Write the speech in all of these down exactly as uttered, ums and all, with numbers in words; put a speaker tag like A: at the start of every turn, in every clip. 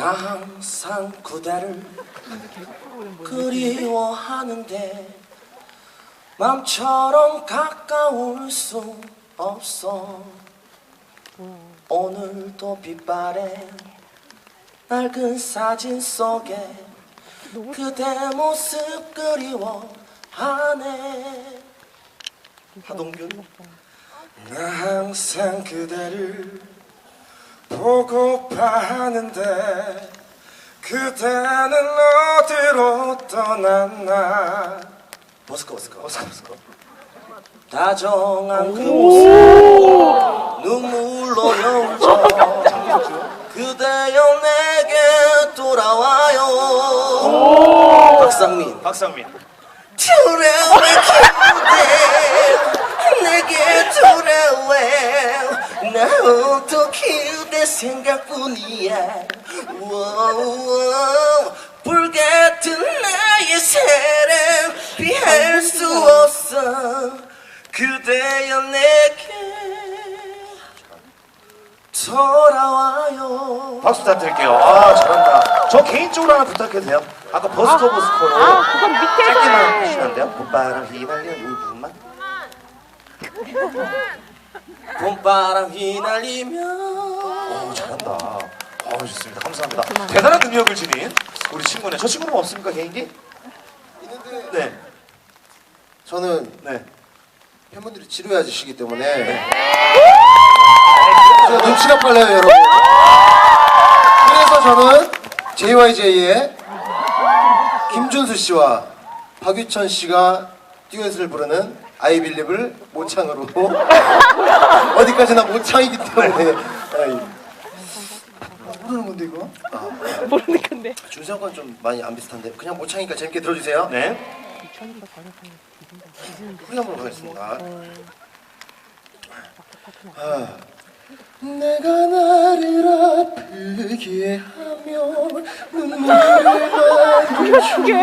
A: 나 항상 그대를 그리워하는데 맘처럼 가까울 수 없어. 오늘도 빛바래 낡은 사진 속에 그대 모습 그리워하네. 하동균. 나 항상 그대를 보고파 하는데 그대는 어디로 떠났나. 버스커 버스커 버스커 버스커. 다정한 그 모습 눈물로 여울져 그대여 내게 돌아와요. 박상민.
B: 박상민.
A: 돌아와 그대 내게 돌아와. 나도 그대 생각뿐이야. 워워. 불같은 나의 사랑 피할 수 없어. 그대여 내게 돌아와요.
B: 박수 부탁드릴게요. 아, 잘한다. 저 개인적으로 하나 부탁해도 돼요? 아까 버스커 버스커로
C: 아, 그건 밑에서
B: 짧게만 해주시면 안 돼요? 봄바람 휘날려 이 부분만.
A: 봄바람 휘날리며.
B: 오, 잘한다. 어, 좋습니다. 감사합니다. 대단한 능력을 지닌 우리 친구네. 저 친구는 없습니까, 개인기?
D: 있는데
B: 네.
D: 저는
B: 네.
D: 팬분들이 지루해하시기 때문에 제가 눈치가 빨라요, 여러분. 그래서 저는 제이와이제이의 김준수 씨와 박유천 씨가 듀엣을 부르는 I Believe을 모창으로 어디까지나 모창이기 때문에. 아이. 모르는 건데 이거? 아,
C: 모르는 건데.
D: 준수 형과는 좀 많이 안 비슷한데 그냥 모창이니까 재밌게 들어주세요.
B: 네.
D: 후리 한번 가겠습니다. 아. 내가 나를 아프게 하며 눈물을 말려줘.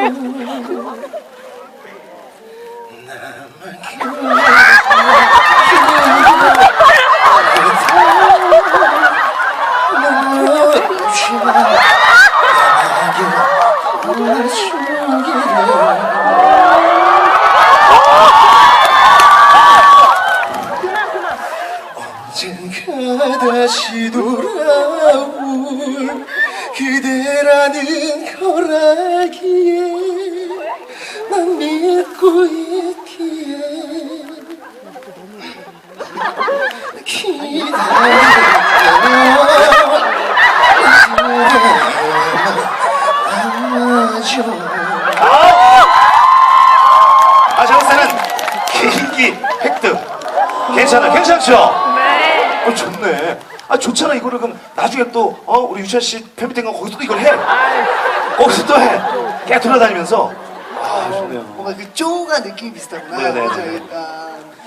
D: 언젠가 다시 돌아올 그대라는 걸 알기에 난 믿고 있기에
B: 아, 정세는 개인기 획득. 괜찮아, 괜찮죠?
C: 네.
B: 어, 좋네. 아, 좋잖아. 이거를 그럼 나중에 또, 어, 우리 유찬 씨 팬미팅 가면 거기서 또 이걸 해. 거기서 또 해. 계속 돌아다니면서. 아, 좋네요.
E: 뭔가 그 쪼가 느낌이 비슷하구나.
B: 네네.
E: 그죠? 약간